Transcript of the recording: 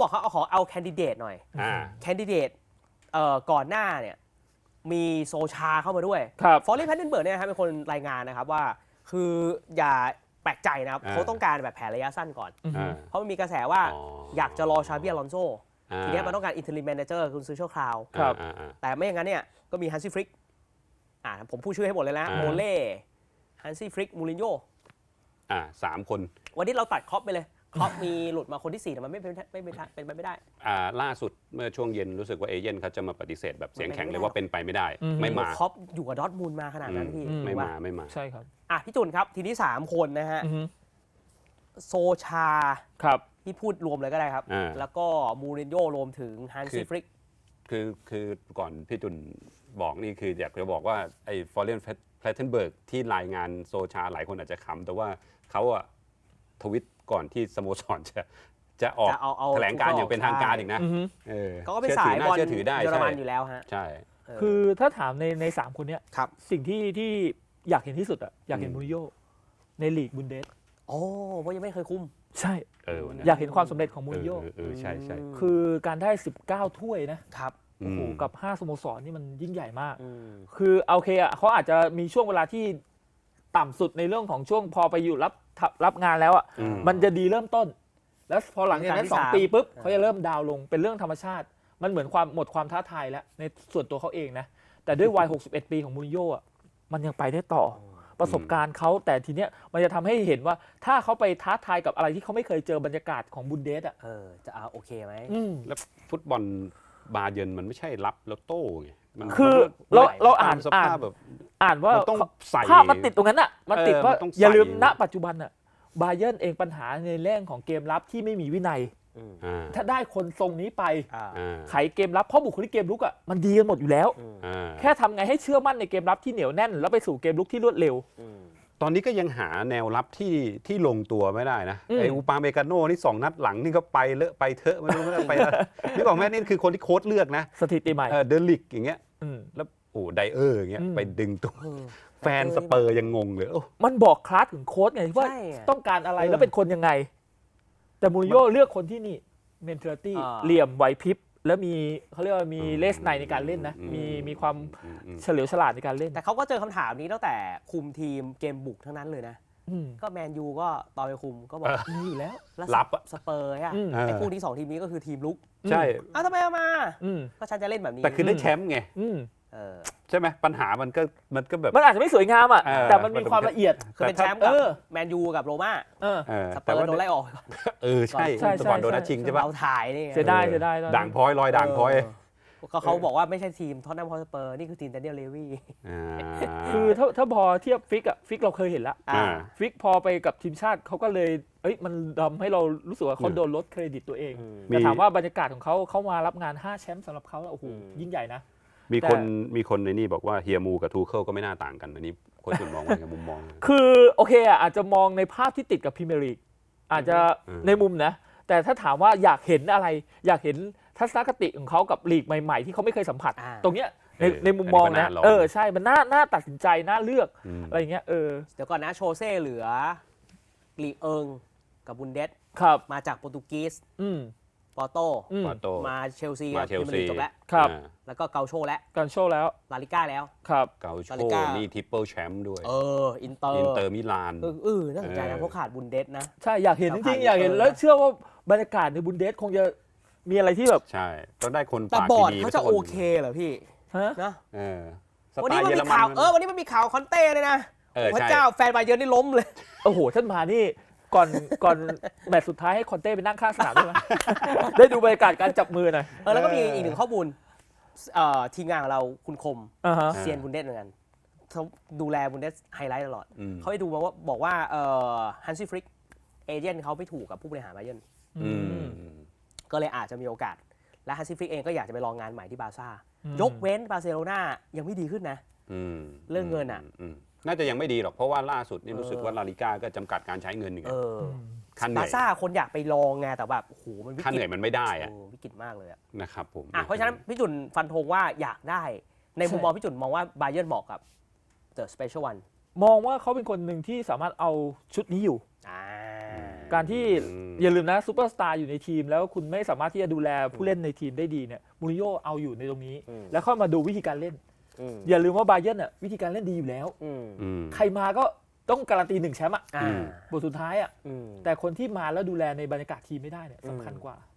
บอกเขาเอาแคนดิเดตหน่อยแคนดิเดตก่อนหน้าเนี่ยมีโซชาเข้ามาด้วยฟอร์เรนแพตเทนเบิร์กเนี่ยครับเป็นคนรายงานนะครับว่าคืออย่าแปลกใจนะครับเขาต้องการแบบแผนระยะสั้นก่อนเพราะมันมีกระแสว่าอยากจะรอชาบิอลอนโซทีนี้มันต้องการอินเทอร์ลิมแมเนเจอร์คุณซื้อชั่วคราวแต่ไม่อย่างนั้นเนี่ยก็มีฮันซี่ฟริกผมพูดชื่อให้หมดเลยนะโมเล่ฮันซี่ฟริกมูรินโญ่ 3 คนวันนี้เราตัดครอปไปเลยครอปมีหลุดมาคนที่4แต่มันเป็นไปไม่ได้ล่าสุดเมื่อช่วงเย็นรู้สึกว่าเอเจนต์เขาจะมาปฏิเสธแบบเสียงแข็งเลยว่าเป็นไปไม่ได้ไม่มาครอปอยู่กับดอร์ทมุนด์มาขนาดนั้นพี่ไม่มาใช่ครับพี่จุนครับทีนี้3คนนะฮะโซชาที่พูดรวมเลยก็ได้ครับแล้วก็มูรินโญ่รวมถึงฮันซี่ฟริกคือก่อนพี่จุนบอกนี่คืออยากจะบอกว่าไอ้ฟอร์เรนแพลตเทนเบิร์กที่รายงานโซชาหลายคนอาจจะขำแต่ว่าเขาทวิตก่อนที่สโมสรจะออกแถลงการอย่างเป็นทางการอีกนะเขาก็เป็นสายบอลเยอรมันอยู่แล้วฮะใช่คือถ้าถามใน3 คนเนี้ยสิ่งที่อยากเห็นที่สุดอยากเห็นมูรินโญ่ในลีกบุนเดสเพราะยังไม่เคยคุมใช่อยากเห็นความสำเร็จของมูรินโญ่ใช่คือการได้19 ถ้วยนะครับโอ้โหกับ5 สโมสรนี่มันยิ่งใหญ่มากคือโอเคเขาอาจจะมีช่วงเวลาที่ต่ำสุดในเรื่องของช่วงพอไปอยู่รับงานแล้วมันจะดีเริ่มต้นแล้วพอหลังจากนั้น2 ปีปุ๊บเขาจะเริ่มดาวลงเป็นเรื่องธรรมชาติมันเหมือนหมดความท้าทายแล้วในส่วนตัวเขาเองนะแต่ด้วยวัย61 ปีของมูรินโญ่มันยังไปได้ต่อประสบการณ์เขาแต่ทีเนี้ยมันจะทำให้เห็นว่าถ้าเขาไปท้าทายกับอะไรที่เขาไม่เคยเจอบรรยากาศของบุนเดสจะโอเคไหมแล้วฟุตบอลบาเยิร์นมันไม่ใช่รับแล้วโต้ไงคือเราอ่านว่าภาพมันติดตรงนั้นมันติดว่าอย่าลืมณปัจจุบันบาเยิร์นเองปัญหาในเรื่องของเกมรับที่ไม่มีวินัยถ้าได้คนทรงนี้ไปไขเกมรับเพราะบุคลิกเกมลุกมันดีกันหมดอยู่แล้วแค่ทำไงให้เชื่อมั่นในเกมรับที่เหนียวแน่นแล้วไปสู่เกมลุกที่รวดเร็วตอนนี้ก็ยังหาแนวรับที่ลงตัวไม่ได้นะไอ้อูปาเมกาโน่นี่2 นัดหลังนี่ก็ไปเลอะไปเถอะไม่รู้ไปนี่บอกแม่นี่คือคนที่โค้ชเลือกนะสถิติใหม่เดลิกอย่างเงี้ยแล้วไดเออร์อย่างเงี้ยไปดึงตัวแฟนสเปอร์ยังงงเลยมันบอกคลาสถึงโค้ชไงว่าต้องการอะไรแล้วเป็นคนยังไงแต่มูรินโญ่เลือกคนที่นี่เมนเทอร์ตี้เหลี่ยมไหวพริบแล้วมีเขาเรียกว่ามีเลสในการเล่นนะมีความเฉลียวฉลาดในการเล่นแต่เขาก็เจอคำถามนี้ตั้งแต่คุมทีมเกมบุกทั้งนั้นเลยนะก็แมนยูก็ตอนไปคุมก็บอกมีอยู่แล้วรับสเปอร์ไอ้พวกที่2 ทีมนี้ก็คือทีมลุกใช่ทำไมเอามาก็ฉันจะเล่นแบบนี้แต่คือได้แชมป์ไงใช่ไหมปัญหามันก็แบบมันอาจจะไม่สวยงามแต่มันมีความละเอียดคือเป็นแชมป์กับแมนยูกับโรม่าสเปอร์โดนไล่ออกใช่ก่อนโดนนัดชิงใช่ปะเราถ่ายนี่เสียดายด่างพร้อยลอยด่างพร้อยเขาบอกว่าไม่ใช่ทีมท็อตแนมฮอตสเปอร์นี่คือทีมแดเนียลเลวี่คือถ้าพอเทียบฟิกเราเคยเห็นแล้วฟิกพอไปกับทีมชาติเขาก็เลยมันทำให้เรารู้สึกว่าเขาโดนลดเครดิตตัวเองแต่ถามว่าบรรยากาศของเขามารับงาน5 แชมป์สำหรับเขาแล้วโอ้โหยิ่งใหญ่นะมีคนในนี่บอกว่าเฮียมูกับทูเคิลก็ไม่น่าต่างกันอันนี้คนอื่นมองว่าไงมุมมองคือโอเคอาจจะมองในภาพที่ติดกับพรีเมียร์ลีกอาจจะในมุมนะแต่ถ้าถามว่าอยากเห็นอะไรอยากเห็นทัศนคติของเขากับลีกใหม่ๆที่เขาไม่เคยสัมผัสตรงเนี้ยในมุมมองนะใช่มันน่าตัดสินใจน่าเลือกอะไรเงี้ยเดี๋ยวก่อนนะโชเซ่เหลือลีกกับบุนเดสมาจากโปรตุเกสปอร์โตมาเชลซีจบแล้วแล้วก็เกาโชแล้วลาลิก้าแล้วเกาโชนี่ทริปเปิลแชมป์ด้วยอินเตอร์มิลานน่าสนใจนะเพราะขาดบุนเดสนะใช่อยากเห็นจริงๆอยากเห็นแล้วเชื่อว่าบรรยากาศในบุนเดสคงจะมีอะไรที่แบบใช่ต้องได้คนปากดีเขาจะโอเคเหรอพี่นะวันนี้มันมีข่าววันนี้มันมีข่าวคอนเต้เลยนะพระเจ้าแฟนบาเยิร์นนี่ล้มเลยโอ้โหท่านมานี่ก่อนแมตช์สุดท้ายให้คอนเต้ไปนั่งข้างสนามได้ไหมได้ดูบรรยากาศการจับมือหน่อยแล้วก็มีอีก1 ข้อมูลทีมงานของเราคุณคมเซียนบุนเดสเหมือนกันเขาดูแลบุนเดสไฮไลท์ตลอดเขาไปดูมาว่าบอกว่าฮันซี่ฟริกเอเจนต์เขาไม่ถูกกับผู้บริหารบาเยิร์นก็เลยอาจจะมีโอกาสและฮันซี่ฟริกเองก็อยากจะไปลองงานใหม่ที่บาร์ซ่ายกเว้นบาร์เซโลนายังไม่ดีขึ้นนะเรื่องเงินน่าจะยังไม่ดีหรอกเพราะว่าล่าสุดนี่รู้สึกว่าลาลิก้าก็จำกัดการใช้เงินอย่างเงี้ยบาร์ซ่าคนอยากไปลองไงแต่แบบโอ้โหมันวิกฤตค่าเหนื่อยมันไม่ได้วิกฤตมากเลยนะครับผมเพราะฉะนั้นพี่จุนฟันธงว่าอยากได้ในมุมมองพี่จุนมองว่าบาเยิร์นเหมาะกับ The Special One มองว่าเขาเป็นคนหนึ่งที่สามารถเอาชุดนี้อยู่การที่อย่าลืมนะซูเปอร์สตาร์อยู่ในทีมแล้วคุณไม่สามารถที่จะดูแลผู้เล่นในทีมได้ดีเนี่ยมูรินโญ่เอาอยู่ในตรงนี้ แล้วเข้ามาดูวิธีการเล่นอย่าลืมว่าบาเยิร์นอ่ะวิธีการเล่นดีอยู่แล้วใครมาก็ต้องการันตี1 แชมป์อ่ะบทสุดท้ายอ่ะแต่คนที่มาแล้วดูแลในบรรยากาศทีมไม่ได้เนี่ยสำคัญกว่า